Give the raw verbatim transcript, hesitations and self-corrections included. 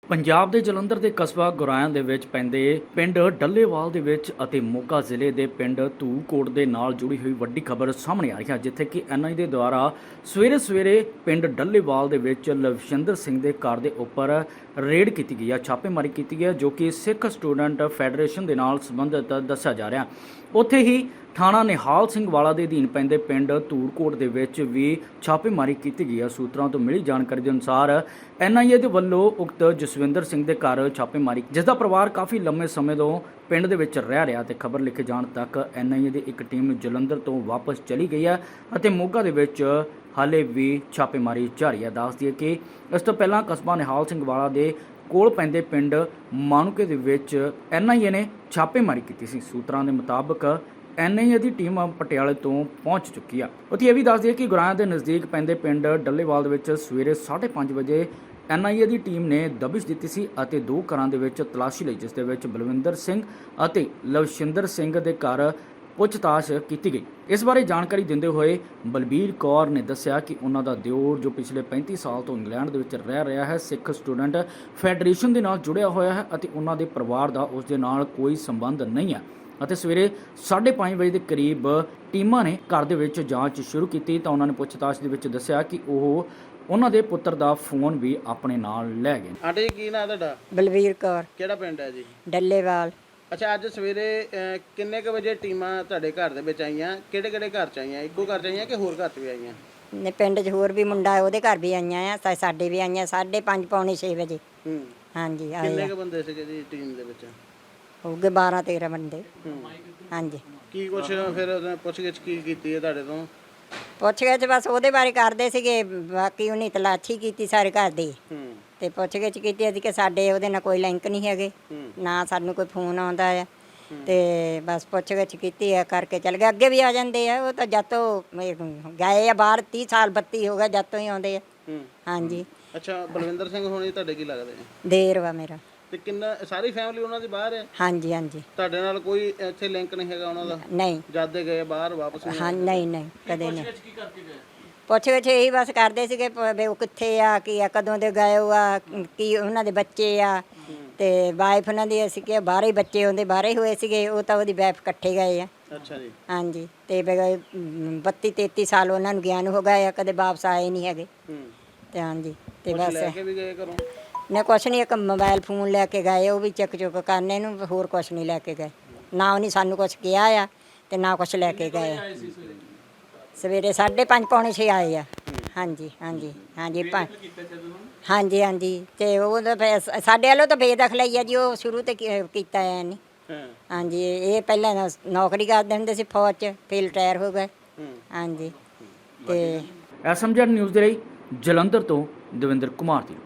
ਪੰਜਾਬ ਦੇ ਜਲੰਧਰ ਦੇ ਕਸਬਾ ਗੁਰਾਇਆਂ ਦੇ ਵਿੱਚ ਪੈਂਦੇ ਪਿੰਡ ਡੱਲੇਵਾਲ ਦੇ ਵਿੱਚ ਅਤੇ ਮੋਗਾ ਜ਼ਿਲ੍ਹੇ ਦੇ ਪਿੰਡ ਧੂਕੋਟ ਦੇ ਨਾਲ ਜੁੜੀ ਹੋਈ ਵੱਡੀ ਖਬਰ ਸਾਹਮਣੇ ਆ ਰਹੀ ਹੈ, ਜਿੱਥੇ ਕਿ ਐਨ ਆਈ ਦੇ ਦੁਆਰਾ ਸਵੇਰੇ ਸਵੇਰੇ ਪਿੰਡ ਡੱਲੇਵਾਲ ਦੇ ਵਿੱਚ ਲਵਿੰਦਰ ਸਿੰਘ ਦੇ ਘਰ ਦੇ ਉੱਪਰ ਰੇਡ ਕੀਤੀ ਗਈ ਹੈ, ਛਾਪੇਮਾਰੀ ਕੀਤੀ ਗਈ ਹੈ, ਜੋ ਕਿ ਸਿੱਖ ਸਟੂਡੈਂਟ ਫੈਡਰੇਸ਼ਨ ਦੇ ਨਾਲ ਸੰਬੰਧਿਤ ਦੱਸਿਆ ਜਾ ਰਿਹਾ। ਉੱਥੇ ਹੀ ਥਾਣਾ ਨਿਹਾਲ ਸਿੰਘ ਵਾਲਾ ਦੇ ਅਧੀਨ ਪੈਂਦੇ ਪਿੰਡ ਧੂਰਕੋਟ ਦੇ ਵਿੱਚ ਵੀ ਛਾਪੇਮਾਰੀ ਕੀਤੀ ਗਈ ਹੈ। ਸੂਤਰਾਂ ਤੋਂ ਮਿਲੀ ਜਾਣਕਾਰੀ ਦੇ ਅਨੁਸਾਰ ਐਨ ਆਈ ਏ ਦੇ ਵੱਲੋਂ ਉਕਤ ਜਸਵਿੰਦਰ ਸਿੰਘ ਦੇ ਘਰ ਛਾਪੇਮਾਰੀ, ਜਿਸ ਦਾ ਪਰਿਵਾਰ ਕਾਫੀ ਲੰਮੇ ਸਮੇਂ ਤੋਂ ਪਿੰਡ ਦੇ ਵਿੱਚ ਰਹਿ ਰਿਹਾ ਤੇ ਖਬਰ ਲਿਖੇ ਜਾਣ ਤੱਕ ਐਨ ਆਈ ਏ ਦੀ ਇੱਕ ਟੀਮ ਜਲੰਧਰ ਤੋਂ ਵਾਪਸ ਚਲੀ ਗਈ ਹੈ ਅਤੇ ਮੋਗਾ ਦੇ ਵਿੱਚ ਹਾਲੇ ਵੀ ਛਾਪੇਮਾਰੀ ਜਾਰੀ ਹੈ। ਦੱਸ ਦਈਏ ਕਿ ਇਸ ਤੋਂ ਪਹਿਲਾਂ ਕਸਬਾ ਨਿਹਾਲ ਸਿੰਘ ਵਾਲਾ ਦੇ ਕੋਲ ਪੈਂਦੇ ਪਿੰਡ ਮਾਨੂਕੇ ਦੇ ਵਿੱਚ ਐਨ ਆਈ ਏ ਨੇ ਛਾਪੇਮਾਰੀ ਕੀਤੀ ਸੀ। ਸੂਤਰਾਂ ਦੇ ਮੁਤਾਬਕ ਐਨ ਆਈ ਏ ਦੀ ਟੀਮ ਪਟਿਆਲੇ ਤੋਂ ਪਹੁੰਚ ਚੁੱਕੀ ਆ। ਉੱਥੇ ਇਹ ਵੀ ਦੱਸ ਦਈਏ ਕਿ ਗੁਰਾਇਆਂ ਦੇ ਨਜ਼ਦੀਕ ਪੈਂਦੇ ਪਿੰਡ ਡੱਲੇਵਾਲ ਦੇ ਵਿੱਚ ਸਵੇਰੇ ਸਾਢੇ ਪੰਜ ਵਜੇ ਐਨ ਆਈ ਏ ਦੀ ਟੀਮ ਨੇ ਦਬਿਸ਼ ਦਿੱਤੀ ਸੀ ਅਤੇ ਦੋ ਘਰਾਂ ਦੇ ਵਿੱਚ ਤਲਾਸ਼ੀ ਲਈ, ਜਿਸ ਦੇ ਵਿੱਚ ਬਲਵਿੰਦਰ ਸਿੰਘ ਅਤੇ ਲਵਿੰਦਰ ਸਿੰਘ ਦੇ ਘਰ ਪੁੱਛਤਾਛ ਕੀਤੀ ਗਈ। ਇਸ ਬਾਰੇ ਜਾਣਕਾਰੀ ਦਿੰਦੇ ਹੋਏ ਬਲਬੀਰ ਕੌਰ ਨੇ ਦੱਸਿਆ ਕਿ ਉਹਨਾਂ ਦਾ ਦਿਓਰ, ਜੋ ਪਿਛਲੇ ਪੈਂਤੀ ਸਾਲ ਤੋਂ ਇੰਗਲੈਂਡ ਦੇ ਵਿੱਚ ਰਹਿ ਰਿਹਾ ਹੈ, ਸਿੱਖ ਸਟੂਡੈਂਟ ਫੈਡਰੇਸ਼ਨ ਦੇ ਨਾਲ ਜੁੜਿਆ ਹੋਇਆ ਹੈ ਅਤੇ ਉਹਨਾਂ ਦੇ ਪਰਿਵਾਰ ਦਾ ਉਸ ਦੇ ਨਾਲ ਕੋਈ ਸੰਬੰਧ ਨਹੀਂ ਹੈ ਅਤੇ ਸਵੇਰੇ ਸਾਢੇ ਪੰਜ ਵਜੇ ਦੇ ਕਰੀਬ ਟੀਮਾਂ ਨੇ ਘਰ ਦੇ ਵਿੱਚ ਜਾਂਚ ਸ਼ੁਰੂ ਕੀਤੀ ਤਾਂ ਉਹਨਾਂ ਨੇ ਪੁੱਛਤਾਛ ਦੇ ਵਿੱਚ ਦੱਸਿਆ ਕਿ ਉਹ ਉਹਨਾਂ ਦੇ ਪੁੱਤਰ ਦਾ ਫੋਨ ਵੀ ਆਪਣੇ ਨਾਲ ਲੈ ਗਏ। ਆਂਟੀ ਜੀ, ਕੀ ਨਾਂ ਤੁਹਾਡਾ? ਬਲਵੀਰ ਕੌਰ। ਕਿਹੜਾ ਪਿੰਡ ਹੈ ਜੀ? ਡੱਲੇਵਾਲ। ਅੱਛਾ, ਅੱਜ ਸਵੇਰੇ ਅਹ, ਕਿੰਨੇ ਕੁ ਵਜੇ ਟੀਮਾਂ ਤੁਹਾਡੇ ਘਰ ਦੇ ਵਿੱਚ ਆਈਆਂ? ਕਿਹੜੇ ਕਿਹੜੇ ਘਰ ਚ ਆਈਆਂ? ਇੱਕੋ ਘਰ ਚ ਆਈਆਂ ਕਿ ਹੋਰ ਘਰ ਚ ਵੀ ਆਈਆਂ? ਨੇ ਪਿੰਡ 'ਚ ਹੋਰ ਵੀ ਮੁੰਡਾ ਉਹਦੇ ਘਰ ਵੀ ਆਈਆਂ ਆ ਤਾਂ ਸਾਡੇ ਵੀ ਆਈਆਂ ਸਾਢੇ ਪੰਜ ਪੌਣੇ ਛੇ ਵਜੇ। ਹੂੰ, ਹਾਂਜੀ ਆਏ ਕਿੰਨੇ ਆ। ਕੁ ਬੰਦੇ ਸੀਗੇ ਜੀ ਟੀਮ ਦੇ ਵਿੱਚ? ਹੋਊਗੇ ਬਾਰਾਂ ਤੇਰਾਂ ਬੰਦੇ। ਹੂੰ, ਹਾਂਜੀ। ਕੀ ਕੁਛ ਫਿਰ ਉਹਨੇ ਪੁੱਛਗਿੱਛ ਕੀ ਕੀਤੀ ਹੈ ਤੁਹਾਡੇ ਤੋਂ? ਪੁੱਛ ਗਏ ਚ ਬਸ ਉਹਦੇ ਬਾਰੇ ਕਰਦੇ ਸੀਗੇ, ਬਾਕੀ ਉਹਨੇ ਤਲਾਸ਼ੀ ਕੀਤੀ ਸਾਰੇ ਘਰ ਦੀ ਹੂੰ ਤੇ ਪੁੱਛ ਗਿੱਛ ਕੀਤੀ ਅਸੀਂ ਕਿ ਸਾਡੇ ਉਹਦੇ ਨਾਲ ਕੋਈ ਲਿੰਕ ਨਹੀਂ ਹੈਗੇ, ਹੂੰ ਨਾ ਸਾਨੂੰ ਕੋਈ ਫੋਨ ਆਉਂਦਾ ਆ ਤੇ ਬਸ ਪੁੱਛ ਗਿੱਛ ਕੀਤੀ ਆ ਕਰਕੇ ਚਲ ਗਏ। ਅੱਗੇ ਵੀ ਆ ਜਾਂਦੇ ਆ, ਉਹ ਤਾਂ ਜਦ ਤੋਂ ਇਹ ਗਏ ਆ ਬਾਹਰ ਤੀਹ ਸਾਲ ਬੱਤੀ ਹੋ ਗਿਆ ਜਦ ਤੋਂ ਹੀ ਆਉਂਦੇ ਆ। ਹੂੰ ਹਾਂਜੀ। ਅੱਛਾ, ਬਲਵਿੰਦਰ ਸਿੰਘ ਹੋਣੀ ਤੁਹਾਡੇ ਕੀ ਲੱਗਦੇ? ਦੇਰ ਵਾ ਮੇਰਾ। ਤੇ ਕਿੰਨਾ ਸਾਰੀ ਫੈਮਿਲੀ ਉਹਨਾਂ ਦੀ ਬਾਹਰ ਹੈ? ਹਾਂਜੀ ਹਾਂਜੀ। ਤੁਹਾਡੇ ਨਾਲ ਕੋਈ ਇੱਥੇ ਲਿੰਕ ਨਹੀਂ ਹੈਗਾ ਉਹਨਾਂ ਦਾ? ਨਹੀਂ। ਜਦ ਦੇ ਗਏ ਬਾਹਰ ਵਾਪਸ ਨਹੀਂ ਹਾਂ ਆਏ? ਨਹੀਂ ਨਹੀਂ ਕਦੇ ਨਹੀਂ। ਪੁੱਛ ਗਿੱਛ ਇਹੀ ਬਸ ਕਰਦੇ ਸੀਗੇ ਪ- ਵੀ ਉਹ ਕਿੱਥੇ ਆ, ਕੀ ਆ, ਕਦੋਂ ਦੇ ਗਏ ਹੋ ਆ, ਕੀ ਉਹਨਾਂ ਦੇ ਬੱਚੇ ਆ ਤੇ ਵਾਈਫ ਉਹਨਾਂ ਦੀ ਅਸੀਂ ਕਿ ਬਾਹਰੇ ਹੀ ਬੱਚੇ ਹੁੰਦੇ ਬਾਹਰੇ ਹੀ ਹੋਏ ਸੀਗੇ, ਉਹ ਤਾਂ ਉਹਦੀ ਵਾਈਫ ਇਕੱਠੇ ਗਏ ਆ। ਅੱਛਾ ਜੀ। ਹਾਂਜੀ। ਤੇ ਬੱਤੀ ਤੇਤੀ ਸਾਲ ਉਹਨਾਂ ਨੂੰ ਗਿਆ ਨੂੰ ਹੋ ਗਏ ਆ, ਕਦੇ ਵਾਪਸ ਆਏ ਨਹੀਂ ਹੈਗੇ। ਹੂੰ, ਤੇ ਹਾਂਜੀ ਤੇ ਕੁਛ ਬਸ ਲੈ ਕੇ ਵੀ ਗਏ ਘਰੋਂ? ਨੇ ਕੁਛ ਨਹੀਂ, ਇੱਕ ਮੋਬਾਈਲ ਫੋਨ ਲੈ ਕੇ ਗਏ, ਉਹ ਵੀ ਚੱਕ ਚੁੱਕ ਕਰਨੇ ਨੂੰ, ਹੋਰ ਕੁਛ ਨਹੀਂ ਲੈ ਕੇ ਗਏ। ਨਾ ਉਹਨੇ ਸਾਨੂੰ ਕੁਛ ਕਿਹਾ ਆ ਤੇ ਨਾ ਕੁਛ ਲੈ ਕੇ ਗਏ। ਸਵੇਰੇ ਸਾਢੇ ਪੰਜ ਪੌਣੇ ਛੇ ਆਏ ਆ। ਹਾਂਜੀ ਹਾਂਜੀ ਹਾਂਜੀ ਪੰ ਹਾਂਜੀ ਹਾਂਜੀ। ਤੇ ਉਹ ਤਾਂ ਫਿਰ ਸ- ਸਾਡੇ ਵੱਲੋਂ ਤਾਂ ਬੇਦਖਲ ਹੀ ਆ ਜੀ, ਉਹ ਸ਼ੁਰੂ ਤੇ ਕੀ- ਕੀਤਾ ਹੈ ਨਹੀਂ। ਹਾਂ। ਹਾਂਜੀ। ਇਹ ਪਹਿਲਾਂ ਨੌ- ਨੌਕਰੀ ਕਰਦੇ ਹੁੰਦੇ ਸੀ ਫੌਜ 'ਚ, ਫਿਰ ਰਿਟਾਇਰ ਹੋ ਗਏ। ਹੂੰ। ਹਾਂਜੀ। ਤੇ ਐਸ ਐਮ ਜੈਡ ਨਿਊਜ਼ ਦੇ ਲਈ ਜਲੰਧਰ ਤੋਂ ਦਵਿੰਦਰ ਕੁਮਾਰ ਦੀ